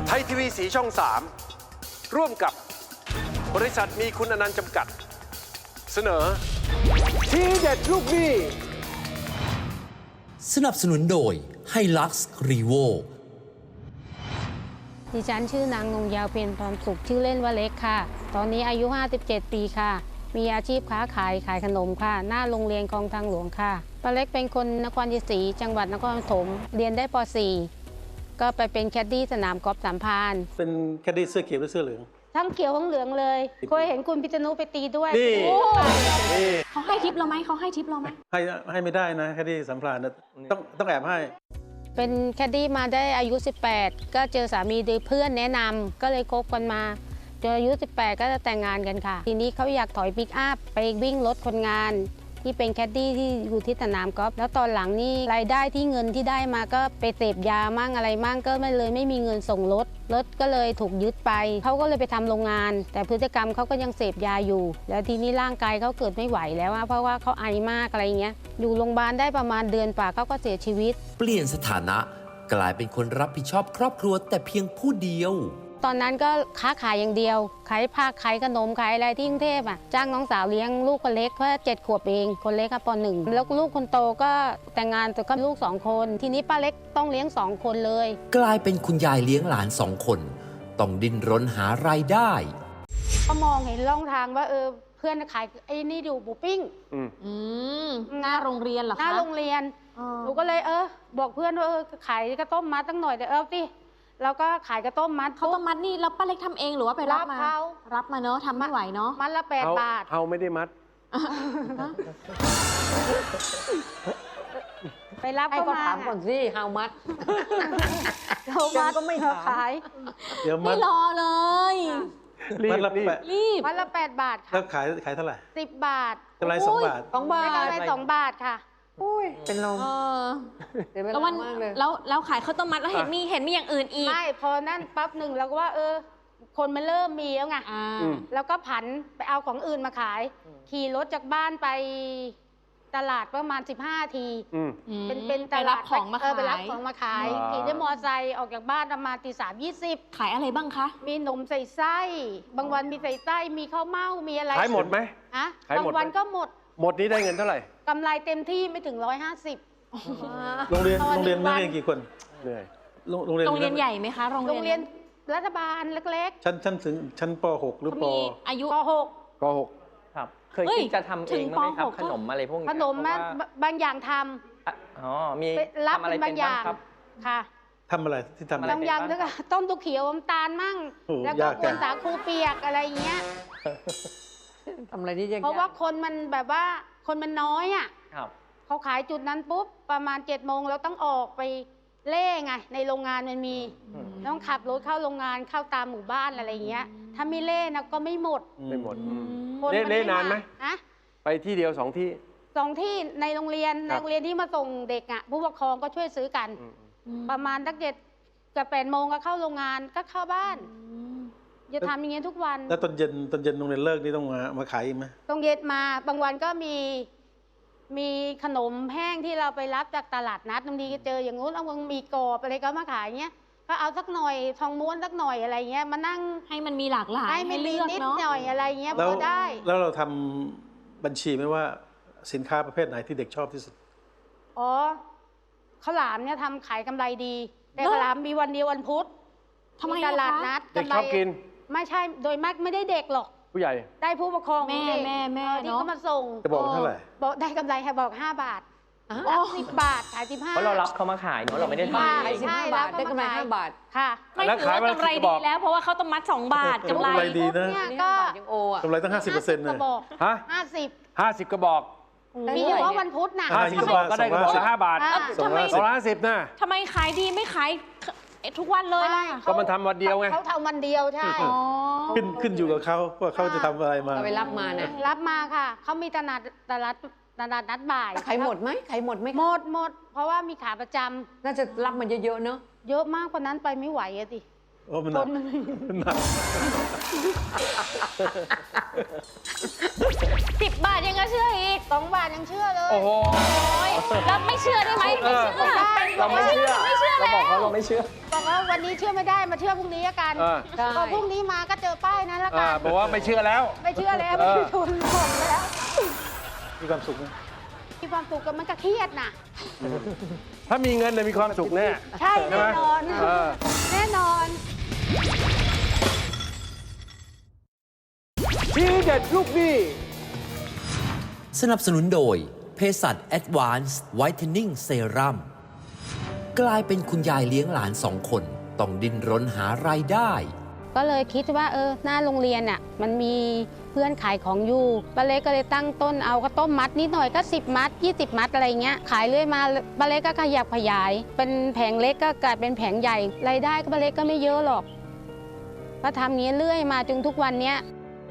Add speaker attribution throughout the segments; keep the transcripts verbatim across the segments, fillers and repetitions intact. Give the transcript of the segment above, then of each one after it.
Speaker 1: ไทยทีวีสีช่องสามร่วมกับบริษัทมีคุณอนันต์จำกัดเสนอทีเด็ดลูกหนี้
Speaker 2: สนับสนุนโดยไฮลักซ์รีโว
Speaker 3: ดิฉันชื่อนางนงยาวเพียรพรสุขชื่อเล่นว่าเล็กค่ะตอนนี้อายุห้าสิบเจ็ดปีค่ะมีอาชีพค้าขายขายขนมค่ะหน้าโรงเรียนคลองทางหลวงค่ะป้าเล็กเป็นคนนครชัยศรีจังหวัดนครปฐมเรียนได้ป .สี่ ก็ไปเป็นแคดดี้สนามกอล์ฟสามพราน
Speaker 4: เป็นแคดดี้เสื้อเขียวหรือเสื้อเหลือง
Speaker 3: ทั้งเขียวทั้งเหลืองเลยเคยเห็นคุณพิษณุไปตีด้วย
Speaker 4: นี่นี่
Speaker 5: เขาให้ทิปเราไหมเขาให้ทิปเราไหม
Speaker 4: ให้ให้ไม่ได้นะแคดดี้สัมพลานนะต้องต้องแอบให้
Speaker 3: เป็นแคดดี้มาได้อายุสิบแปดก็เจอสามีดีเพื่อนแนะนำก็เลยคบกันมาจนอายุสิบแปดก็จะแต่งงานกันค่ะทีนี้เขาอยากถอยปิกอัพไปวิ่งรถคนงานที่เป็นแคดดี้ที่อยู่ที่สนามกอล์ฟแล้วตอนหลังนี่รายได้ที่เงินที่ได้มาก็ไปเสพยามั่งอะไรมั่งก็ไม่เลยไม่มีเงินส่งรถรถก็เลยถูกยึดไปเขาก็เลยไปทำโรงงานแต่พฤติกรรมเขาก็ยังเสพยาอยู่แล้วทีนี้ร่างกายเขาเกิดไม่ไหวแล้วเพราะว่าเขาไอมากอะไรเงี้ยอยู่โรงพยาบาลได้ประมาณเดือนกว่าเขาก็เสียชีวิต
Speaker 2: เปลี่ยนสถานะกลายเป็นคนรับผิดชอบครอบครัวแต่เพียงผู้เดียว
Speaker 3: ตอนนั้นก็ค้าขายอย่างเดียวขายผักขายขนมขายอะไรที่กรุงเทพอ่ะจ้างน้องสาวเลี้ยงลูกคนเล็กเพราะเจ็ดขวบเองคนเล็กค่ะปหนึ่งแล้วลูกคนโตก็แต่งงานแต่ก็ลูกสองคนทีนี้ป้าเล็กต้องเลี้ยงสองคนเลย
Speaker 2: กลายเป็นคุณยายเลี้ยงหลานสองคนต้องดิ้นรนหารายได้
Speaker 3: ก็มองเห็นร่องทางว่าเออเพื่อนขายไอ้นี่อยู่บูปิ้ง
Speaker 5: อืมหน้าโรงเรียนเหรอคะ
Speaker 3: หน้าโรงเรียนหนูก็เลยเออบอกเพื่อนว่าเออขายกระต้มมัดตั้งหน่อยแต่เออสิแล้วก็ขายกระต้มมัด
Speaker 5: เขาต้มมัดนี่แล้วป้าเล็กทำเองหรือว่าไปรับมารับมาเนอะทำไม่ไหวเนอะ
Speaker 3: มัดละแปดบาท
Speaker 1: เฮาไม่ได้มัด
Speaker 3: ไปรับ
Speaker 6: ให้เขาถามก่อนสิเฮามัด
Speaker 3: เฮามัดก็ไม่ขาย
Speaker 4: เดี๋ยวมั
Speaker 5: ดไม่รอเลย
Speaker 4: มัดละแปด
Speaker 5: รีบ
Speaker 3: มัดละแปดบาทค่ะ
Speaker 4: แล้วขายขายเท่าไหร่
Speaker 3: สิบบาท
Speaker 4: กำไรสองบาท
Speaker 6: สองบาท
Speaker 3: กำไรสองบาทค่ะ
Speaker 6: อุ้ยเป็นลม
Speaker 5: แล้ววันแล้วแล้วขายข้าวต้มมัดแล้วเห็นมีเห็นมีอย่างอื่นอีก
Speaker 3: ไม่พอนั่นปั๊บหนึ่งเราก็ว่าเออคนมันเริ่มมีแล้วไงแล้วก็ผันไปเอาของอื่นมาขายขี่รถจากบ้านไปตลาดประมาณสิบห้าทีเป็นเป็นตลาด
Speaker 5: ของมาขาย
Speaker 3: ไปรับของมาขายขี่ด้วยมอเตอร์ไซค์ออกจากบ้านประมาณตีสามยี่สิบ
Speaker 5: ขายอะไรบ้างคะ
Speaker 3: มีนมใส่ไส้บางวันมีใส่ไส้มีข้าวเม่ามีอะไร
Speaker 1: ขายหมดไหม
Speaker 3: อะบางวันก็หมด
Speaker 1: หมดนี้ได้เงินเท่าไหร่
Speaker 3: กำไรเต็มที่ไม่ถึงร้อยห้าสิบ
Speaker 4: โรงเรียนโรงเรียนนักเรียนกี่คน
Speaker 1: เหนื่อย
Speaker 4: โรงเรียน
Speaker 5: โรงเรียนใหญ่ไหมคะโรง
Speaker 3: เรียนรัฐบาลเล็ก
Speaker 4: ๆชั้นชั้นถึงชั้นป หกหรือป
Speaker 5: อายุ
Speaker 3: ป หก
Speaker 1: ป หก
Speaker 7: ครับเคยคิดจะทำเองไหมครับขนมอะไรพวกนี้
Speaker 3: ขนมบางอย่างท
Speaker 7: ำอ๋อมี
Speaker 3: รับอะไรบางอย่างค่ะ
Speaker 4: ทำอะไรที่ทำอะไร
Speaker 3: บางอย่างด้วยค่ะต้มตุ๊กเขียวน้ำตาลมั่งแล้วก็กวนสาคูเปียกอะไรเงี้ย
Speaker 6: ทำอะไรที่ยาก
Speaker 3: เพราะว่าคนมันแบบว่าคนมันน้อยอ่ะเขาขายจุดนั้นปุ๊บประมาณเจ็ดโมงเราต้องออกไปเล่ไงในโรงงานมันมีต้องขับรถเข้าโรงงานเข้าตามหมู่บ้านอะไรเงี้ยถ้าไม่เล่นะก็ไม่หมด
Speaker 1: ไม่หมดเล่เล่นานไหมไปที่เดียวสองที่
Speaker 3: สองที่ในโรงเรียนในโรงเรียนที่มาส่งเด็กอ่ะผู้ปกครองก็ช่วยซื้อกันประมาณตั้งเจ็ดกับแปดโมงก็เข้าโรงงานก็เข้าบ้านจะทำอย่างเงี้ยทุกวัน
Speaker 4: แล้วตอนเย็นตอนเย็นโรงเรียนเลิกนี่ต้องมามาขายอีกไหม
Speaker 3: ต้องเย็นมาบางวันก็มีมีขนมแห้งที่เราไปรับจากตลาดนัดบางทีก็เจออย่างงู้นเอาบางมีกรอบอะไรก็มาขายเงี้ยก็เอาสักหน่อยทองม้วนสักหน่อยอะไรเงี้ยมานั่ง
Speaker 5: ให้มันมีหลากหลาย
Speaker 3: ให้เลือกนิดหน่อยอะไรเงี้ยพอได้
Speaker 4: แล้วเราทำบัญชีไหมว่าสินค้าประเภทไหนที่เด็กชอบที่สุด
Speaker 3: อ๋อข้าวหลามเนี่ยทำขายกำไรดีแต่ข้าวหลามมีวันเดียววันพุธ
Speaker 5: ทำไม
Speaker 3: ตลาดนัด
Speaker 1: เด็กชอบกิน
Speaker 3: ไม่ใช่โดยมากไม่ได้เด็กหรอก
Speaker 1: ผู้ใหญ่
Speaker 3: ได้ผู้ปกครอง
Speaker 5: แม่แม่แม่
Speaker 3: ที่เขามาส่ง
Speaker 4: จะบอกเท่าไหร่
Speaker 3: บอกได้กำไรค่ะบอกห้าบาทรับสิบบาทขายสิบห้า
Speaker 7: เพราะเรารับเขามาขายเนาะเราไม่ได้ทำ
Speaker 6: ขายสิบห้าบาทได้กำไรห้าบาท
Speaker 3: ค่ะ
Speaker 5: ไม่ถือว่ากำไรดีแล้วเพราะว่าเขาต้องมัดสองบาทกำไร
Speaker 4: ดีนะ
Speaker 3: ก็
Speaker 4: กำไรตั้งห้าสิบเปอร์เซ็นต์นะ
Speaker 1: ฮะ
Speaker 3: ห้าสิบ
Speaker 1: ห้าสิบกระบอก
Speaker 3: มีเฉพาะวันพุธนะ
Speaker 1: ห้าสิบกระบอกก็ได้กระบอกละห้าบาท
Speaker 5: ทำไม
Speaker 1: สองร้อยห้าสิบนะ
Speaker 5: ทำไมขายดีไม่ขายทุกวันเลยล่ะ
Speaker 1: ก็มันทำวันเดียวไง
Speaker 3: เขาทำวันเดียวใช่
Speaker 4: ขึ้นขึ้นอยู่กับเขาว่าเขาจะทำอะไรมา
Speaker 6: ไปรับมาเนี่ย
Speaker 3: รับมาค่ะเขามีตลาดตลาดตลาดนัดบ่าย
Speaker 6: ขายหมดไหมขายหมดไหม
Speaker 3: หมดหมดเพราะว่ามีขาประจำ
Speaker 6: น่าจะรับมันเยอะๆเนอะ
Speaker 3: เยอะมากกว่านั้นไปไม่ไหวอะสิ
Speaker 4: โอ้มันหนักมันหนัก
Speaker 5: สิบบาทยังก็เชื่ออีก
Speaker 3: สองบาทยังเชื่อเลย
Speaker 1: โอ้โห
Speaker 5: โอ้ยแล้วไม่เชื่อได้ไหมไม่เชื่อ
Speaker 7: เราไม่เชื่อ
Speaker 5: ไม่เชื่อ
Speaker 7: เรา
Speaker 5: แล้ว
Speaker 7: บอกเขาเราไม่เชื่อ
Speaker 3: บอกว่าวันนี้เชื่อไม่ได้มาเชื่อพรุ่งนี้ละกัน
Speaker 1: เออ
Speaker 6: ใช่
Speaker 3: พอพรุ่งนี้มาก็เจอป้ายนั้นละ
Speaker 1: อ่า
Speaker 3: กัน
Speaker 1: บอกว่าไม่เชื่อแล้ว
Speaker 3: ไม่เชื่อแล้ว
Speaker 1: เอ
Speaker 3: ไม่
Speaker 1: อ
Speaker 3: มีทุนหมดแล้ว
Speaker 4: มีความสุขไหม
Speaker 3: มีความสุขกับมันก็เครียดน่ะ
Speaker 1: ถ้ามีเงินเนี่ยมีความสุขแน่
Speaker 3: ใช่
Speaker 1: ใช่ไหม
Speaker 3: แน่นอน
Speaker 1: เออ
Speaker 3: แน่นอน
Speaker 1: ทีเด็ดลูกหนี้
Speaker 2: สนับสนุนโดยเภสัช Advanced Whitening Serum กลายเป็นคุณยายเลี้ยงหลานสองคน ต้องดิ้นรนหารายได้
Speaker 3: ก็เลยคิดว่าเออหน้าโรงเรียนอ่ะมันมีเพื่อนขายของอยู่ป้าเล็กก็เลยตั้งต้นเอาข้าวต้มมัดนิดหน่อยก็สิบมัดยี่สิบมัดอะไรเงี้ยขายเรื่อยมาป้าเล็กก็ขยับขยาย เป็นแผงเล็กก็กลายเป็นแผงใหญ่รายได้ก็ป้าเล็กก็ไม่เยอะหรอกก็ทำงี้เรื่อยมาจนทุกวันเนี้ย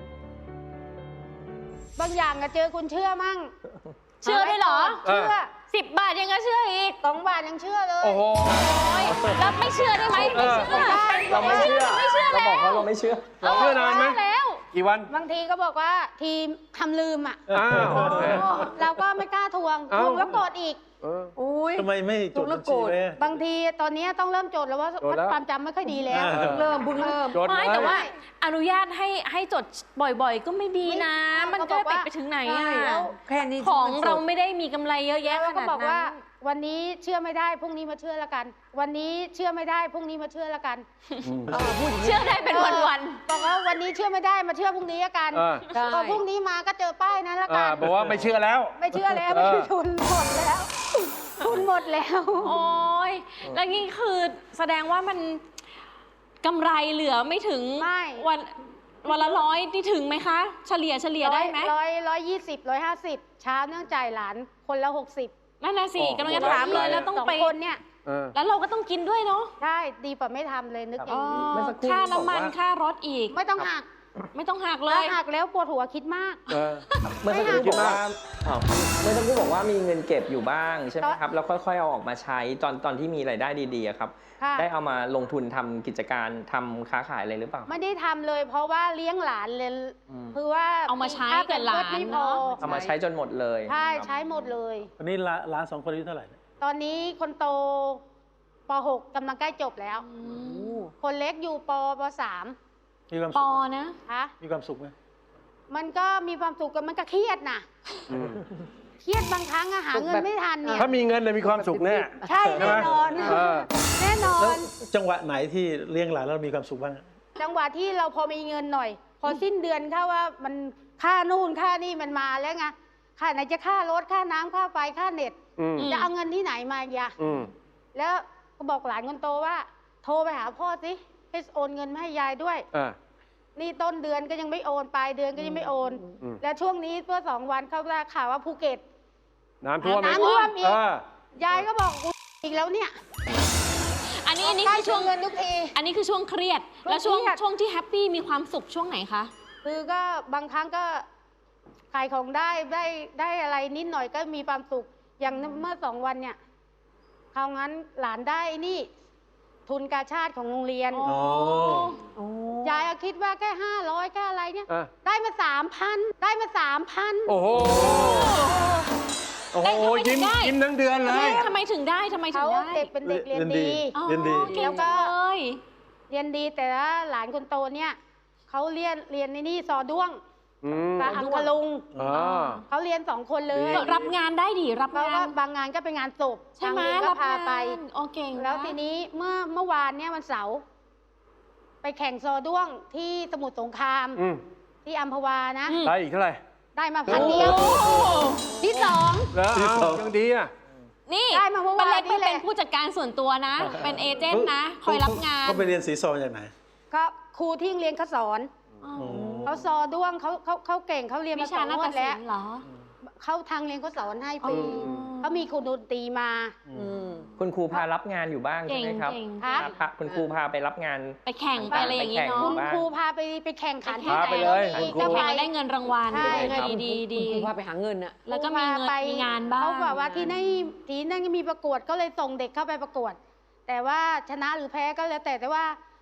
Speaker 3: บางอย่างก็เจอคุณเชื่อมั่ง
Speaker 5: เชื่อด้วยเหรอ
Speaker 3: เชื่อ
Speaker 5: สิบบาทยังก็เชื่ออีก
Speaker 3: สองบาทยังเชื่อเลย
Speaker 1: โอ้โห
Speaker 5: โอ้ยแล้วไม่เชื่อได้ไหมไม่เชื่อ
Speaker 7: เราไม่เชื่อ
Speaker 5: ไม่เชื่อ
Speaker 7: เราบอกเขาเราไม่เชื่อ
Speaker 1: เราเชื่อนานไหม
Speaker 5: แล้ว
Speaker 1: กี่วัน
Speaker 3: บางทีก็บอกว่าทีมทำลืมอ่ะ
Speaker 1: อ้าวโอเค
Speaker 3: เราก็ไม่กล้าทวง
Speaker 1: เอ้า
Speaker 3: ทวงแล้วโกรธอีก
Speaker 1: เออ
Speaker 6: อุ้ย
Speaker 4: ทำไมไม่จดบัญชีไว้อะ
Speaker 3: บางทีตอนนี้ต้องเริ่มจดแล้วว่า
Speaker 1: จดแล้ว
Speaker 3: ความจำไม่ค่อยดีแล้ว
Speaker 4: อ่า
Speaker 6: เพิ่งเริ่มเพิ่งเริ่ม
Speaker 1: จด
Speaker 5: ไม่
Speaker 1: ไว้
Speaker 5: แต่ว่าอนุญาตให้ให้จดบ่อยๆ ก็ไม่ดีนะ
Speaker 3: ไม่
Speaker 5: มันก็ติดไปถึงไหน
Speaker 3: ใช่
Speaker 5: อ่ะ
Speaker 3: แล้ว
Speaker 6: แค่นี้
Speaker 5: ของ
Speaker 6: มันสด
Speaker 5: เราไม่ได้มีกำไรเยอะแยะข
Speaker 3: แล้วก็
Speaker 5: นาด
Speaker 3: บอกว่า
Speaker 5: นั้น
Speaker 3: วันนี้เชื่อไม่ได้พรุ่งนี้มาเชื่อละกัน วันนี้เชื่อไม่ได้พรุ่งนี้มาเชื่อละกัน
Speaker 6: เออพูดอย่างนี้
Speaker 5: เชื่อได้เป็นวัน
Speaker 3: บอกว่าวันนี้เชื่อไม่ได้มาเชื่อพรุ่งนี้ละกัน
Speaker 1: เออ
Speaker 6: ใช่
Speaker 3: พอพรุ่งนี้มาก็เจอป้ายนั้นละ
Speaker 1: อ่า
Speaker 3: กัน
Speaker 1: บอกว่าไม่เชื่อแล้ว
Speaker 3: ไม่เชื่อแล้ว
Speaker 1: เออ
Speaker 3: ไม่มีทุนหมดแล้ว ทุนหมดแล้ว
Speaker 5: ๆ โอ้ยแล้วนี่คือแสดงว่ามันกำไรเหลือไม่ถึง
Speaker 3: ไม่
Speaker 5: วันวันละร้อยที่ถึงไหมคะ เฉลี่ยเฉลี่ยได้ไหม
Speaker 3: ร้อยร้อยยี่สิบร้อยห้าสิบเช้าเนื่องจ่ายหลานคนละหกสิบ
Speaker 5: นั่นน่ะสิ
Speaker 1: โอ้
Speaker 5: กำลังจะถามเลยแล้วต้อง
Speaker 3: สอง
Speaker 5: ไป
Speaker 3: คนเนี่ย
Speaker 1: เออ
Speaker 5: แล้วเราก็ต้องกินด้วยเนาะ
Speaker 3: ใช่ดีกว่าไม่ทำเลยนึกอย่างนี้
Speaker 7: เมื่อสักครู่
Speaker 5: ค่า
Speaker 7: นี้บอก
Speaker 5: น้ำมัน
Speaker 7: ว่า
Speaker 5: ค่ารถอีก
Speaker 3: ไม่ต้องหัก
Speaker 5: ไม่ต้องหักเล
Speaker 3: ถ้าย หักแล้วปวดหัวคิดมาก
Speaker 1: เออ
Speaker 7: เมื่อสักครู่บอกว่าอ้าวเมื่อสักครู่บอกว่ามีเงินเก็บอยู่บ้างใช่ไหมครับ แล้วค่อยๆเอาออกมาใช้ตอนตอนที่มีรายได้ดีๆอะครับ
Speaker 3: ค่ะ
Speaker 7: ได้เอามาลงทุนทำกิจการทำค้าขายอะไรหรือเปล่า
Speaker 3: ไม่ได้ทำเลย เพราะว่าเลี้ยงหลานเลย
Speaker 7: อืม
Speaker 3: คือว่า
Speaker 5: เอามาใช้
Speaker 3: ค่
Speaker 5: กับหลาน
Speaker 3: แพมเพิร์สไม่พอ
Speaker 5: เนอะ
Speaker 7: เอามาใช้จนหมดเลย
Speaker 3: ใช่
Speaker 7: ครับ
Speaker 3: ใช้หมดเลย
Speaker 4: วันนี้ร้านร้านสองคนอายุเท่าไหร่เนี่ย
Speaker 3: ตอนนี้คนโตป หก กำลังใกล้จบแล้ว คนเล็กอยู่ปปสาม
Speaker 4: มีความ
Speaker 5: ป
Speaker 4: สุ
Speaker 5: อ
Speaker 4: ข
Speaker 5: นะ
Speaker 3: คะ
Speaker 4: มีความสุขไหม
Speaker 3: มันก็มีความสุขกับมันก็เครียดนะเครียดบางครั้งอะหาเงินไม่ทันเนี่ย
Speaker 1: ถ้ามีเงินเนี่ยมีความสุขแน่
Speaker 3: ใช่แน่นอน
Speaker 1: เออ
Speaker 3: แน่นอ
Speaker 4: แล้ว
Speaker 3: น
Speaker 4: จังหวะไหนที่เลี้ยงหลานแล้วมีความสุขบ้างอะ
Speaker 3: จังหวะที่เราพอมีเงินหน่อย พอสิ้นเดือนเข้าว่ามันค่านู่นค่านี่มันมาแล้วไงค่าไหนจะค่ารถค่าน้ำค่าไฟค่าเน็ต
Speaker 1: อืม
Speaker 3: จะเอาเงินที่ไหนมาอีกอะ
Speaker 1: อืม
Speaker 3: แล้วก็บอกหลานคนโตว่า โทรไปหาพ่อสิให้โอนเงินมาให้ยายด้วย
Speaker 1: อ่า
Speaker 3: นี่ต้นเดือนก็ยังไม่โอนปลายเดือนก็ยังไม่โอน
Speaker 1: อืม
Speaker 3: แล้วช่วงนี้เพื่อสองวันเขาได้ข่าวว่าภูเก็ต
Speaker 1: น้ำท่วม
Speaker 3: น้ำท่วมอีก
Speaker 1: เออ
Speaker 3: ยายก็บอกกูอีกแล้วเนี่ย
Speaker 5: อันนี้อันนี้
Speaker 3: ใกล้
Speaker 5: คือช่วง
Speaker 3: เงินทุกที
Speaker 5: อันนี้คือช่วงเครียด
Speaker 3: ช่วง
Speaker 5: แล้วช่วง
Speaker 3: เครียด
Speaker 5: ช่วงที่แฮปปี้มีความสุขช่วงไหนคะ
Speaker 3: คือก็บางครั้งก็ขายของได้ได้ได้อะไรนิดหน่อยก็มีความสุข อย่างเมื่อสองวันเนี่ยคราวงั้นหลานได้นี่ ทุนกาชาติของโรงเรียน
Speaker 4: อ๋อ
Speaker 6: โอ้
Speaker 3: ยายก็คิดว่าแค่ห้าร้อยแค่อะไรเนี่ย
Speaker 1: อ่ะ
Speaker 3: ได้มาสามพันได้มาสามพัน
Speaker 1: โอ้โห โอ้โห
Speaker 5: ได้ทำไมถึ
Speaker 1: ยิ้ม
Speaker 5: งได้
Speaker 1: ยิ้มทั้งเดือนเลย
Speaker 5: ทำไมถึงได้ทำไมถึ
Speaker 3: เขา
Speaker 5: งได้
Speaker 3: เด็กเป็นเด็กเรียน
Speaker 4: เรียนดี
Speaker 3: ดี
Speaker 5: อ๋อ
Speaker 4: เรียนดี
Speaker 5: เก่ง
Speaker 3: แล้วก็
Speaker 5: เลย
Speaker 3: เรียนดีแต่ว่าหลานคนโตเนี่ยเขาเรียนเรียนในนี่ซอด้วง
Speaker 1: อืม
Speaker 3: กับอังคลุง
Speaker 1: อ่า
Speaker 3: เขาเรียนสองคนเลย
Speaker 1: ดี
Speaker 5: รับงานได้ดิรับ
Speaker 3: เขา
Speaker 5: งา
Speaker 3: ก็
Speaker 5: น
Speaker 3: บางงานก็เป็นงานศพ
Speaker 5: ใช่ไหม
Speaker 3: ทางเรียนก็
Speaker 5: รับ
Speaker 3: พาง
Speaker 5: าน
Speaker 3: ไป
Speaker 5: โอเก่งนะ
Speaker 3: แล้วทีนี้เมื่อเมื่อวานเนี่ยวันเสาร์ไปแข่งซอด้วงที่สมุทรสงคราม
Speaker 1: อืม
Speaker 3: ที่อัมพวานะ
Speaker 5: อืม
Speaker 1: ได้อีกเท่าไหร่
Speaker 3: ได้มาพันเดียว
Speaker 5: โอ้
Speaker 3: ที่สอง
Speaker 1: แล้ว
Speaker 4: ที่
Speaker 1: เอา
Speaker 4: สอง
Speaker 1: ยังดีอ่ะ
Speaker 5: นี่
Speaker 3: ได้มาเมื่อวาน
Speaker 5: ป้าเล็ก
Speaker 3: นี่
Speaker 5: ไป
Speaker 3: แหละ
Speaker 5: เป็นผู้จัดการส่วนตัวนะ เป็นเอเจนต์นะ คอยรับงาน
Speaker 4: เขาไปเรียนสีซอจากไหน
Speaker 3: ก็ครูที่โรงเรียนเขาสอน
Speaker 5: อ๋อ
Speaker 3: เขาซอด้วงเขาเขาเขาเก่งเขาเรียน
Speaker 5: วิ
Speaker 3: มาส
Speaker 5: ชา
Speaker 3: อง
Speaker 5: นาฏ
Speaker 3: งวด
Speaker 5: ศิ
Speaker 3: แล้ว
Speaker 5: ลป์เหรอ
Speaker 3: เขาทางเรียนเขาสอนให้ฟรี
Speaker 5: อ๋อ
Speaker 3: เขามีครูดนตรีมา
Speaker 6: อืม
Speaker 7: คุณครูพารับงานอยู่บ้างใช่
Speaker 5: เก่ง
Speaker 7: ไหมครับ
Speaker 5: เก่ง
Speaker 3: ครับ
Speaker 7: พาคุณครูพาไปรับงาน
Speaker 5: ไปแข่งไปอะไรอย่างนี้เนาะ
Speaker 3: คุณ
Speaker 7: บ้าง
Speaker 3: ครูพาไปไปแข่งขันที่
Speaker 1: พา
Speaker 3: ไหน
Speaker 1: ไปเลย
Speaker 3: ก็มี
Speaker 1: คุณครู
Speaker 3: ก็
Speaker 5: แข่
Speaker 3: ไป
Speaker 5: งได้เงินรางวัล
Speaker 3: ใช่
Speaker 5: ดีดีดี
Speaker 6: คุณครูพาไปหาเงินอะ
Speaker 5: แล้วก็มีเงิน
Speaker 3: ไป
Speaker 5: มีงานบ้าง
Speaker 3: เขาบอกว่าที่นั่นที่นั่นก็มีประกวดก็เลยส่งเด็กเข้าไปประกวด แต่ว่าชนะหรือแพ้ก็แล้วแต่แต่ว่า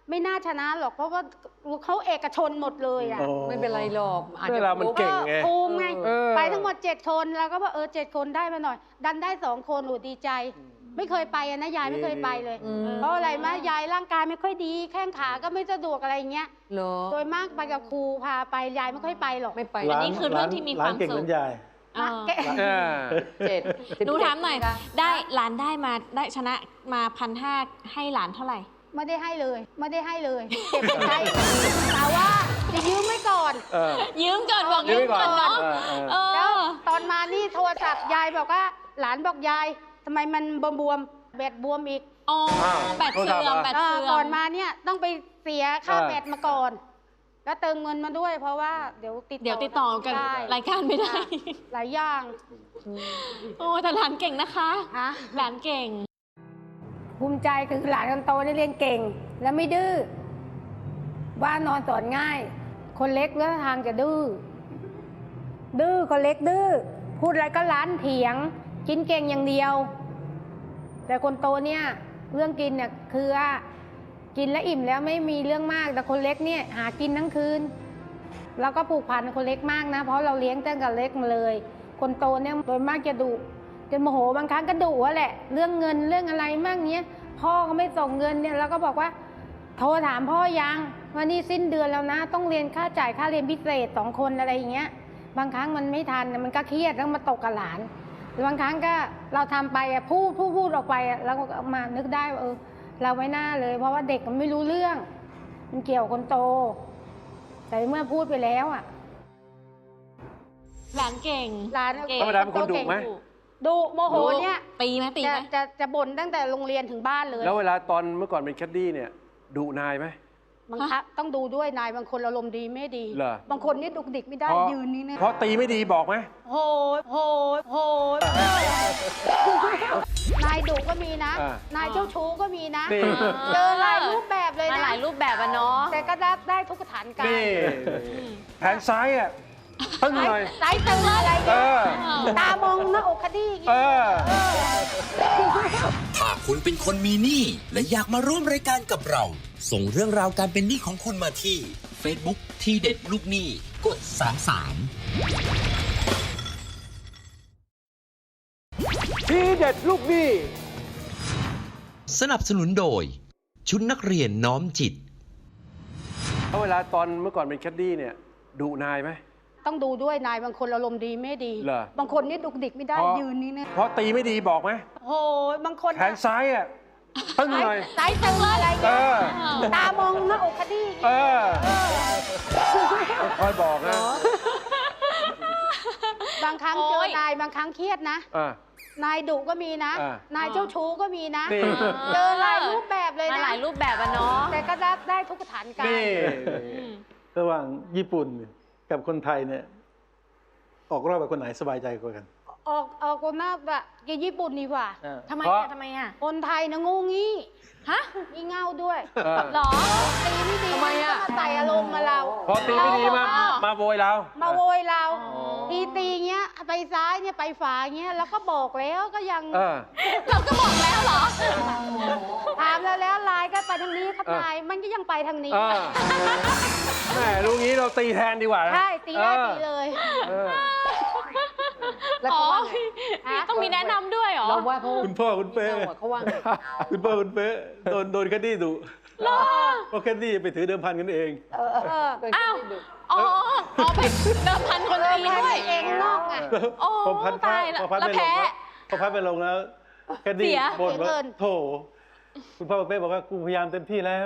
Speaker 3: ไม่น่าชนะหรอกเพราะว่าเขาเอกชนหมดเลยอ่ะ
Speaker 4: โอ้
Speaker 6: ไม่เป็นไรหรอกอาจ
Speaker 1: เว
Speaker 6: จะ
Speaker 1: ลามันเก่งไง
Speaker 3: ภูมิไง
Speaker 1: เออ
Speaker 3: ไปทั้งหมดเจ็ดคนแล้วก็บอกเออเจ็ดคนได้มาหน่อย ดันได้สองคนหนูดีใจ ไม่เคยไปอะนะยายไม่เคยไปเลย
Speaker 6: อืม
Speaker 3: เพราะอะไรมะยายร่างกายไม่ค่อยดี แข้งขาก็ไม่สะดวกอะไรอย่างเงี้ย
Speaker 6: เหรอ
Speaker 3: โดยมากไปกับครูพาไปยายไม่ค่อยไปหรอก
Speaker 6: ไม่ไป
Speaker 5: อันนี้คือเรื่องที่มีความ
Speaker 4: หลนเก่ง
Speaker 5: สุข
Speaker 4: เหมือนยาย
Speaker 5: อ่า
Speaker 3: แก
Speaker 1: เออ
Speaker 6: เจ็ด
Speaker 5: หนูถามหน่อย ได้หลานได้มาได้ชนะมาพันห้าให้หลานเท่าไหร่
Speaker 3: ไม่ได้ให้เลย ไม่ได้ให้เลยเก็บไปใช้แต่ว่าจะยืมไว้ก่อน
Speaker 1: เออ
Speaker 5: ยืมก่อนบอก
Speaker 1: ยื
Speaker 5: ยื
Speaker 1: ม
Speaker 5: ม
Speaker 1: ไว้ก่
Speaker 5: ก่
Speaker 1: อ
Speaker 5: อน นเนาะ
Speaker 1: เออเออ
Speaker 5: เอ
Speaker 3: แล้ว
Speaker 5: อ
Speaker 3: ตอนมานี่โทรศัพท์ยายบอกว่า หลานบอกยายทำไมมันบวมๆแบตบวมอีก
Speaker 5: อ๋อ
Speaker 1: อ้าว
Speaker 5: แบตเสื่อมแบต
Speaker 3: เออ
Speaker 5: เสื่อ
Speaker 3: ก่อน
Speaker 5: ม
Speaker 3: มาเนี่ยต้องไปเสียค่า
Speaker 1: เออ
Speaker 3: แบตมาก่อน แล้วเติมเงินมาด้วย เพราะว่าเดี๋ยวติด
Speaker 5: เดี๋ยวติดต่อกัน
Speaker 3: ได้
Speaker 5: รายการไม่ได้
Speaker 3: หลายอย่าง
Speaker 5: โอ้แต่หลานเก่งนะคะ
Speaker 3: ฮะ
Speaker 5: หลานเก่ง
Speaker 3: ภูมิใจคือหลานคนโตได้เรียนเก่ง และไม่ดื้อบ้านนอนสอนง่าย คนเล็กเรื่องทางจะดื้อดื้อคนเล็กดื้อพูดอะไรก็ร้านเถียง กินเก่งอย่างเดียว แต่คนโตเนี่ยเรื่องกินเนี่ยคือว่ากินแล้วอิ่มแล้วไม่มีเรื่องมาก แต่คนเล็กเนี่ยหากินทั้งคืนเราก็ผูกพันคนเล็กมากนะเพราะเราเลี้ยงตั้งแต่เล็กมาเลย คนโตเนี่ยโดยมากจะดุจะโมโหบางครั้งก็ดุอะแหละเรื่องเงินเรื่องอะไรมากเนี้ยพ่อก็ไม่ส่งเงินเนี่ยเราก็บอกว่าโทรถามพ่อยังว่านี่สิ้นเดือนแล้วนะ ต้องเรียนค่าจ่ายค่าเรียนพิเศษสองคนอะไรอย่างเงี้ยบางครั้งมันไม่ทันมันก็เครียดแล้วมาตกกับหลานบางครั้งก็เราทำไปอะพูดพูดพูดออกไปอะเราก็มานึกได้ว่าเออเราไม่น่าเลย เพราะว่าเด็กมันไม่รู้เรื่อง มันเกี่ยวกับคนโต แต่เมื่อพูดไปแล้วอ่ะ
Speaker 5: หลานเก่ง
Speaker 3: หลาน
Speaker 5: เก่ง
Speaker 1: ธรรมดาเป็นคนดุไหม
Speaker 3: ดุโมโหเนี่ย
Speaker 5: ตีไหมตี
Speaker 3: จะ
Speaker 5: ไหม
Speaker 3: จะจะบ่นตั้งแต่โรงเรียนถึงบ้านเลย
Speaker 1: แล้วเวลาตอนเมื่อก่อนเป็นแคดดี้เนี่ยดุนายไหม
Speaker 3: บางครั้งต้องดูด้วยนายบางคนอารมณ์ดีไม่ดี
Speaker 1: เหรอ
Speaker 3: บางคนนี่ดุกดิกไม่ได้
Speaker 1: เพราะ
Speaker 3: ยืนนี่นะ
Speaker 1: เพราะตีไม่ดีบอกไหม
Speaker 3: โหยโหยโหยนายดุก็มีนะ
Speaker 1: อ่าน
Speaker 3: ายเจ้าชู้ก็มีนะ
Speaker 1: นี่
Speaker 3: เจอหลายรูปแบบเลย
Speaker 5: มา
Speaker 3: นะ
Speaker 5: หลายรูปแบบอะเนาะ
Speaker 3: แต่ก็ได้ได้ทุกสถานการ
Speaker 1: นี่
Speaker 3: ณ์
Speaker 1: แผนซ้ายอ่ะตึ้งหน่อย
Speaker 3: สายตึงอะไร
Speaker 1: เอ
Speaker 3: เนี่ย
Speaker 1: อ
Speaker 3: ตามองหน้าอกคดีอย่าง
Speaker 1: เอ
Speaker 3: งี้
Speaker 1: อ
Speaker 2: ถ้าคุณเป็นคนมีหนี้และอยากมาร่วมรายการกับเรา ส่งเรื่องราวการเป็นหนี้ของคุณมาที่ Facebook ที่เด็ดลูกหนี้กดสามสาม
Speaker 1: ทีเด็ดลูกหนี้
Speaker 2: สนับสนุนโดย ชุดนักเรียนน้อมจิต
Speaker 1: แล้วเวลาตอนเมื่อก่อนเป็นแคดดี้เนี่ยดุนายไหม
Speaker 3: ต้องดูด้วยนายบางคนอารมณ์ดีไม่ดี
Speaker 1: เหรอ
Speaker 3: บางคนนี่ดุกดิกไม่ได้
Speaker 1: เพราะ
Speaker 3: ยืนนี่นะ
Speaker 1: เพราะตีไม่ดีบอกไหม
Speaker 3: โหบางคน
Speaker 1: แผนซ้ายอ่ะตึ้งหน่อย
Speaker 3: สายตึงอะไร
Speaker 1: เอ
Speaker 3: เนี่ย
Speaker 1: อ
Speaker 3: ตามองหน้าอกคดี
Speaker 1: เออคอยบอกนะ
Speaker 3: บางครั้ง
Speaker 5: โอ๊
Speaker 3: เจอย นายบางครั้งเครียดนะ
Speaker 1: อ่ะ
Speaker 3: นายดุก็มีนะ
Speaker 1: อ่าน
Speaker 3: ายเจ้าชู้ก็มีนะ
Speaker 1: นี่
Speaker 3: เจอหลายรูปแบบเลย
Speaker 5: มา
Speaker 3: นะ
Speaker 5: หลายรูปแบบอะเนาะ
Speaker 3: แต่ก็ได้ได้ทุกสถานการ
Speaker 1: นี่
Speaker 3: ณ์
Speaker 4: ระหว่างญี่ปุ่นกับคนไทยเนี่ย ออกรอบกับคนไหนสบายใจกว่ากัน
Speaker 3: ออกออกคนหน้าแบบญี่ปุ่นดีกว่า
Speaker 7: เออ
Speaker 5: ทำไม
Speaker 1: เพราะ
Speaker 5: อะทำไมอะ
Speaker 3: คนไทยนะงูงี้
Speaker 5: ฮะ
Speaker 3: งี่เง่าด้วย
Speaker 1: เออ
Speaker 5: หรอ
Speaker 3: ตีไม่ดี
Speaker 6: ทำไมอะ
Speaker 3: ก็มาใส่อารมณ์มาเรา
Speaker 1: พอตีไม่ดีมา
Speaker 5: อ๋อ
Speaker 1: มาโวยเรา
Speaker 3: มาโวยเรา
Speaker 7: อ๋อ
Speaker 3: ตีตีเงี้ยไปซ้ายเนี่ยไปฝาเงี้ยแล้วก็บอกแล้วก็ยัง
Speaker 1: เออ
Speaker 5: เราก็บอกแล้วเหรอ
Speaker 3: ถามแล้วแล้วไลน์ก็ไปทางนี้ครับ
Speaker 1: เออ
Speaker 3: นายมันก็ยังไปทางนี้
Speaker 1: เออแหมรู้งี้เราตีแทนดีกว่านะ
Speaker 3: ใช่ตีได้
Speaker 1: ออ
Speaker 3: ตีเลย
Speaker 1: เออ
Speaker 6: แล้ว
Speaker 5: อ๋อ
Speaker 6: เขาว่าไง
Speaker 3: ฮะ
Speaker 5: ต้องมีแนะนำด้วยเหรอ
Speaker 6: เราว่าเขา
Speaker 4: คุณพ่อคุณเป้
Speaker 6: เราอะเขาว่าไง
Speaker 4: คุณพ่อคุณเป้โดนโดนคดีดุเพราะคดีไปถือเดิมพันกันเอง
Speaker 3: เออเออ
Speaker 5: อ้าว อ๋ออ๋อไปเดิมพันคนตีด้วย
Speaker 3: เองนอกไง
Speaker 5: โอ้
Speaker 4: พอพัดพระ
Speaker 5: ตายละ
Speaker 4: พอพัด
Speaker 5: แล้ว
Speaker 4: ไปลง
Speaker 5: แพ้
Speaker 4: แล้วพอพัดไปลงแล้วแคด
Speaker 5: เสี
Speaker 4: ดี้
Speaker 5: ย
Speaker 4: บ่น
Speaker 3: เสีย
Speaker 4: ว่า
Speaker 3: เงิน
Speaker 4: โถคุณพ่อคุณเป้บอกว่ากูพยายามเต็มที่แล้ว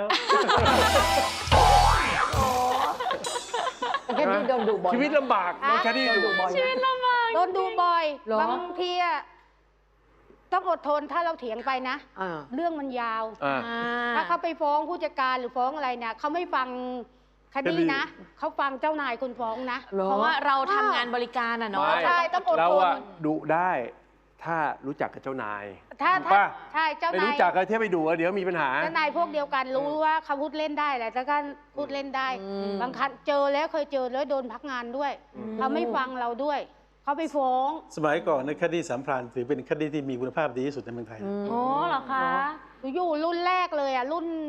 Speaker 6: แค่นี้โดนดุบ่อย
Speaker 1: ชีวิตลำบากน้องแคดดี้
Speaker 6: โดน
Speaker 1: ดุ
Speaker 6: ดุบ่อย
Speaker 5: ชีวิตลำบาก
Speaker 3: โดนดูบ่อย
Speaker 6: เหรอ
Speaker 3: บางทีอะต้องอดทนถ้าเราเถียงไปนะ
Speaker 6: อ่า
Speaker 3: เรื่องมันยาว
Speaker 1: อ่า
Speaker 5: อ่า
Speaker 3: ถ้าเขาไปฟ้องผู้จัดการหรือฟ้องอะไรเนี่ยเขาไม่ฟังคดี
Speaker 1: คดี
Speaker 3: นะเขาฟังเจ้านายคุณฟ้องนะ
Speaker 6: เหรอ
Speaker 5: เพราะว่าเราทำงานบริการอะเนาะ
Speaker 1: ไม่
Speaker 3: ใช่ต้องอด
Speaker 1: เรา
Speaker 3: ทน
Speaker 1: อะดุได้ถ้ารู้จักกับเจ้านาย
Speaker 3: ถ้า
Speaker 1: ถูก
Speaker 3: ถ้า
Speaker 1: ปะ
Speaker 3: ใช่เจ้า
Speaker 1: ไม่
Speaker 3: นาย
Speaker 1: รู้จักกันเที่ยวไปดุอะเดี๋ยวมีปัญหา
Speaker 3: เจ้านายพวกเดียวกันรู้ว่าเขาพูดเล่นได้แหละแต่ก็พูดเล่นได้
Speaker 6: อืม
Speaker 3: บางครั้งเจอแล้วเคยเจอแล้วโดนพักงานด้วยเขาไม่ฟังเราด้วยเขาไปฟ้อง
Speaker 4: สมัยก่อนในคดีสามพรานถือเป็นคดีที่มีคุณภาพดีที่สุดในเมืองไทย
Speaker 5: โอ้เหรอคะ
Speaker 3: อยู่รุ่นแรกเลยอ่ะรุ่น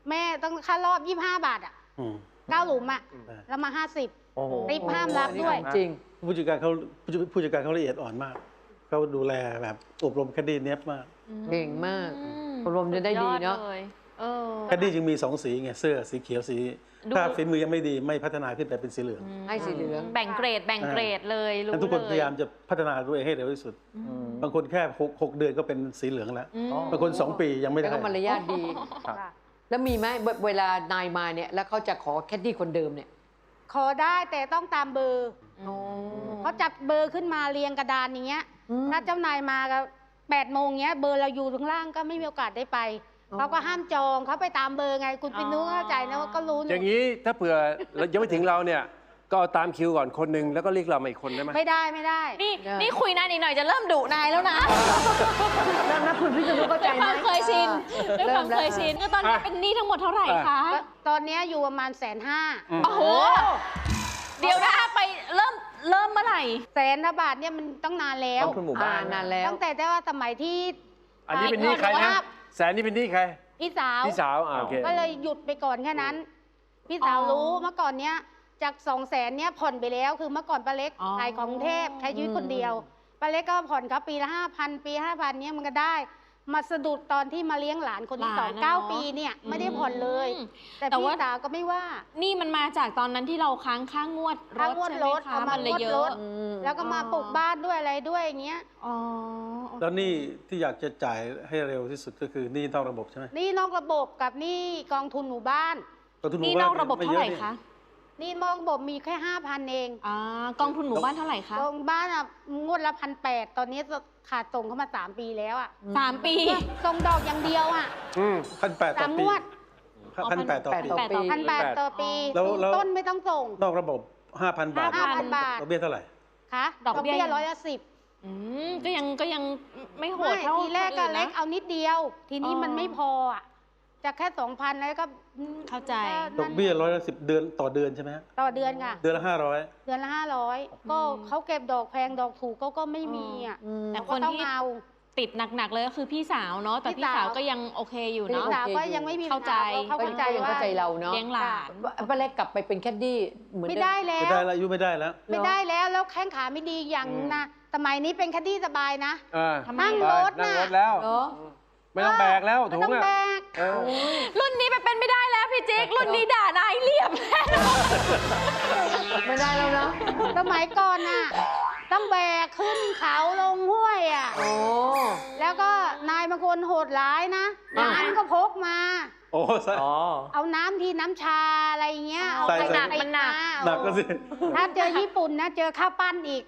Speaker 3: แม่ต้องค่ารอบยี่สิบห้าบาทอ่ะ
Speaker 4: อืม
Speaker 3: เก้าหลุมอ่ะ
Speaker 4: อืม
Speaker 3: แล้วมาห้าสิบ
Speaker 7: โอ้โห
Speaker 3: ริบห้ามรับด้วย
Speaker 6: จริง
Speaker 4: ผู้จัดการเขาผู้จัดผู้จัดการเขาละเอียดอ่อนมากเขาดูแลแบบอบรมแคดดี้เนี้ยบมาก
Speaker 6: เก่งมาก
Speaker 5: อืม
Speaker 6: อบรมจะได้ดีเนาะ
Speaker 5: ยอลยเออ
Speaker 4: แคดดี้จึงมีสองสีไงเสื้อสีเขียวสี
Speaker 5: ดู
Speaker 4: ถ้าฝีมือยังไม่ดีไม่พัฒนาขึ้นไปเป็นสีเหลือง
Speaker 6: ให้สีเหลือง
Speaker 5: แบ่งเกรดแบ่งเกรดเลยรู้
Speaker 4: นั้นทุกคน
Speaker 5: เล
Speaker 4: พยายามจะพัฒนาตัวเองให้เร็วที่สุด
Speaker 7: อืม
Speaker 4: บางคนแค่หกหกเดือนก็เป็นสีเหลืองแล้ว
Speaker 5: อืม
Speaker 7: อ๋อ
Speaker 4: บางคนสองปียังไม่
Speaker 6: แล้
Speaker 4: ได้
Speaker 6: วก็มารยาทดี
Speaker 7: ครับ
Speaker 6: แล้วมีไหมเวเวลานายมาเนี่ย แล้วเขาจะขอแคดดี้คนเดิมเนี่ย
Speaker 3: ขอได้แต่ต้องตามเบอร์
Speaker 6: อ๋อ
Speaker 3: เขาจับเบอร์ขึ้นมาเรียงกระดานอย่างเงี้ย
Speaker 6: อืม
Speaker 3: ถ้าเจ้านายมาก็แปดโมงเงี้ยเบอร์เราอยู่ข้างล่างก็ไม่มีโอกาสได้ไป
Speaker 6: อ๋อ
Speaker 3: เขาก็ห้ามจองเขาไปตามเบอร์ไง คุณปินุ้เข้าใจนะว่าก็รู้
Speaker 1: อย่างนี้ถ้าเผื่อเรายังไม่ถึงเราเนี่ย ก็เอาตามคิวก่อนคนหนึ่งแล้วก็เรียกเรามาอีกคนได้ไหม
Speaker 3: ไม่ได้ไม่ได้
Speaker 5: นี่นี่คุยนานอีกหน่อยจะเริ่มดุนายแล้วนะ
Speaker 6: แล้วนะคุณพี่จะรู้เข้าใจ
Speaker 5: ด้วย
Speaker 6: ไหม
Speaker 5: ความเคยชินด้วยความ
Speaker 6: ริ่
Speaker 5: เคยชินก็ตอนนี้เป็นหนี้ทั้งหมดเท่าไหร่คะ
Speaker 3: ตอนเนี้ยอยู่ประมาณแสนห้า
Speaker 5: โอ้โห เดี๋ยวนะไปเริ่มเริ่มเมื่อไหร่
Speaker 3: แสนบาทเนี่ยมันต้องนานแล้ว
Speaker 7: ต้องทุนหมู่บ้าน
Speaker 6: อ่านานแล้ว
Speaker 3: ตั้งแต่แต่ว่าสมัยที่
Speaker 1: อันนี้เป็นหนี้ใครนะแสนนี่เป็นหนี้ใคร
Speaker 3: พี่สาว
Speaker 1: พี่สาวอ่าโอเค
Speaker 3: ก็เลยหยุดไปก่อนแค่นั้น พี่สาว
Speaker 5: อ๋อ
Speaker 3: รู้เมื่อก่อนเนี้ยจากสองแสนเนี้ยผ่อนไปแล้ว คือเมื่อก่อนป้าเล็ก
Speaker 5: อ๋อ
Speaker 3: ขายของกรุงเทพใช้ชีวิตคนเดียวป้าเล็กก็ผ่อนเขาปีละห้าพันปีห้าพันเนี้ยมันก็ได้ มาสะดุดตอนที่มาเลี้ยงหลานคนที่สอง
Speaker 5: หลานนะ
Speaker 3: เก้า
Speaker 5: เนอะ
Speaker 3: ปีเนี่ยไม่ได้ผ่อนเลย
Speaker 5: อืม
Speaker 3: แต่
Speaker 5: แต่
Speaker 3: พี่
Speaker 5: ว่า
Speaker 3: สาวก็ไม่ว่า
Speaker 5: นี่มันมาจากตอนนั้นที่เราค้างค่างวดร
Speaker 3: ค่า
Speaker 5: ถ
Speaker 3: งวด
Speaker 5: ใช่ไหม
Speaker 3: รถ
Speaker 5: คะ
Speaker 3: เอามา
Speaker 5: มันเลยเย
Speaker 3: งวดร
Speaker 5: อะ
Speaker 3: ถ แล้วก็มาปลูกบ้านด้วยอะไรด้วยอย่างเงี้ย
Speaker 5: อ๋อ
Speaker 4: แล้วหนี่ที่อยากจะจ่ายให้เร็วที่สุดก็คือหนี่นอกระบบใช่ไหม
Speaker 3: นี่นอกระบบกับนี่กองทุนหมู่บ้าน
Speaker 4: กองทุนห
Speaker 5: นี่
Speaker 4: มู่
Speaker 5: น
Speaker 4: บ้า
Speaker 5: อกระบบ
Speaker 4: ม่
Speaker 5: เท่า
Speaker 4: อะ
Speaker 5: ไหร่
Speaker 4: นี่
Speaker 5: คะ
Speaker 3: นี่นอกระบบมีแค่ห้าพันเอง
Speaker 5: อ่ากองทุนหมู่บ้านเท่าไหร่คะ
Speaker 3: กองบ้านอ่ะงวดละพันแปดตอนนี้ขาดส่งเข้ามาสามปีแล้วอ่ะ
Speaker 5: สามปี
Speaker 3: ส่งดอกอย่างเดียวอ่ะ
Speaker 1: อืม
Speaker 4: พันแปดต่
Speaker 3: สา
Speaker 4: อ
Speaker 3: ม
Speaker 4: ปี
Speaker 3: งวด
Speaker 4: พันแปดต่อปี
Speaker 6: ต่อปี
Speaker 3: พันแปดต่อปี
Speaker 4: แล้วแล้ว
Speaker 3: ต้นไม่ต้องส่ง
Speaker 4: นอกระบบห้าพันบาท
Speaker 3: ห้าพันบาท
Speaker 4: ดอกเบี้ยเท่าไหร่
Speaker 3: คะ
Speaker 5: ดอกเบี้ย
Speaker 3: ร้อยละสิบ
Speaker 5: อืมก็ยังก็ยังไม่โห
Speaker 3: ไม่
Speaker 5: ดเท่า
Speaker 3: ทีแรกก็
Speaker 5: คนอื่นนะ
Speaker 3: เล็กเอานิดเดียว ทีนี้
Speaker 5: อ๋อ
Speaker 3: มันไม่พออ่ะจะแค่สองพันแล้วก็
Speaker 5: เข้าใจ
Speaker 4: ดอกเบี้ยร้อยละสิบเดือนต่อเดือนใช่ไหมฮะ
Speaker 3: ต่อเดือนค่ะ
Speaker 4: เดือนละห้าร้อย
Speaker 3: เดือนละห้าร้อยก็เขาเก็บดอกแพงดอกถูกก็ก็ไม่มีอ่ะ
Speaker 5: แต่
Speaker 3: เรา
Speaker 5: ค
Speaker 3: ก็
Speaker 5: น
Speaker 3: ต้อง
Speaker 5: ที่
Speaker 3: เอา
Speaker 5: ติดหนักๆเลยก็คือพี่สาวเนาะแต่
Speaker 3: พี่
Speaker 5: พี่สาว
Speaker 3: สาว
Speaker 5: ก็ยังโอเคอยู่
Speaker 3: พี่
Speaker 5: เนาะ
Speaker 3: สาวก็ยังไม่มี
Speaker 5: เข้าใจ
Speaker 3: ปัญหเขา
Speaker 6: ก็
Speaker 3: เข้าใจ
Speaker 6: ยัง
Speaker 3: ว่า
Speaker 6: เข้าใจเราเนาะ
Speaker 5: เลี้ยงหลาน
Speaker 6: ป้าเล็กกลับไปเป็นแคดดี้เหมือน
Speaker 3: ไม่
Speaker 6: เดิม
Speaker 3: ได้แล้
Speaker 4: ไม่
Speaker 3: ว
Speaker 4: ได้แล้วอายุไม่ได้แล้ว
Speaker 3: ไม่ได้แล้วแล้วแข้งขาไม่ดีอย่างนะ สมัยนี้เป็นคดีสบายนะ
Speaker 1: เออ
Speaker 5: ทำไม
Speaker 3: นั่ง
Speaker 1: ไป
Speaker 3: รถ
Speaker 1: นั่ง
Speaker 3: น่ะ
Speaker 1: รถแล้ว
Speaker 6: เนาะ
Speaker 1: ไม่ต้องแบกแล้ว
Speaker 3: ไม่
Speaker 1: ถุ
Speaker 3: ต้อง ง
Speaker 1: อ่ะ
Speaker 3: แบก
Speaker 1: เออ
Speaker 5: รุ่นนี้ไปเป็นไม่ได้แล้วพี่จิ๊กรุ่นนี้ด่านายเรียบแน่นอน
Speaker 6: ไม่ได้แล้วเนาะ
Speaker 3: สมัยก่อนน่ะ ต้องแบกขึ้นเขาลงห้วยอ่ะ
Speaker 6: โอ้
Speaker 3: แล้วก็นายบางคนโหดร้ายนะ
Speaker 6: อ่า
Speaker 3: น้ำก็พกมา
Speaker 4: โอ้ใส่
Speaker 7: อ๋อ
Speaker 3: เอาน้ำทีน้ำชาอะไรเงี้ย เอา
Speaker 4: ใส่
Speaker 3: ไป
Speaker 4: ใส่
Speaker 3: หนักมันหนัก
Speaker 4: หนักก็สิ
Speaker 3: ถ้าเจอญี่ปุ่นนะ เจอข้าวปั้นอีก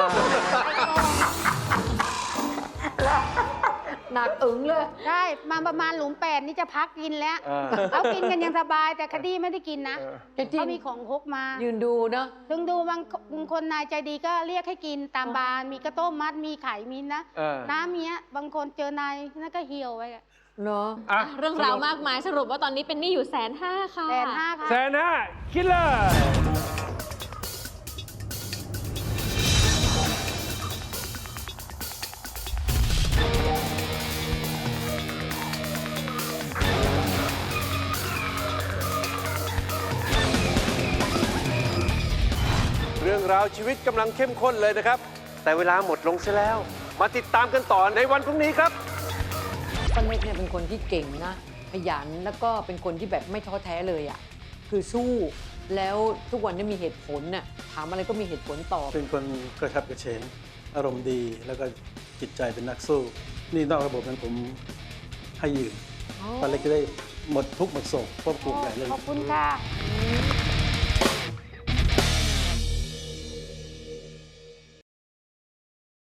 Speaker 6: หนักอึ๋งเลย
Speaker 3: ใช่ มาประมาณหลุมแปดนี่จะพักกินแล้ว
Speaker 1: เออ
Speaker 3: เขากินกันยังสบายแต่คดีไม่ได้กินนะ
Speaker 6: แคดดี้
Speaker 3: เขามีของพกมา
Speaker 6: ยืนดูเนาะ
Speaker 3: ถึงดูบางบางคนนายใจดีก็เรียกให้กินตามบานมีกระต้มมัดมีไข่มีนะ
Speaker 1: เออ
Speaker 3: น้ำเนี้ยบางคนเจอนายนั่นก็เหี่ยวไปอะ
Speaker 6: เนาะ
Speaker 1: อ่ะ
Speaker 5: เรื่องราวมากมายสรุปว่าตอนนี้เป็นหนี้อยู่แสนห้าค่ะ
Speaker 3: แสนห้าค่ะ
Speaker 1: แสนห้าคิดเลย เรื่องราวชีวิตกำลังเข้มข้นเลยนะครับ แต่เวลาหมดลงซะแล้ว มาติดตามกันต่อในวันพรุ่งนี้ครับ
Speaker 6: ป้าเล็กเนี่ยเป็นคนที่เก่งนะขยันแล้วก็เป็นคนที่แบบไม่ท้อแท้เลยอ่ะคือสู้แล้วทุกวันนี้มีเหตุผลน่ะถามอะไรก็มีเหตุผลตอบ
Speaker 4: เป็นคนกระฉับกระเฉง อารมณ์ดีแล้วก็จิตใจเป็นนักสู้ นี่นอกระบบนั้นผมให้ยืมป้าเล็กจะได้หมดทุกข์หมดโศกเพราะปลูกใหญ่เลย
Speaker 3: ขอบคุณค่ะ
Speaker 6: อืม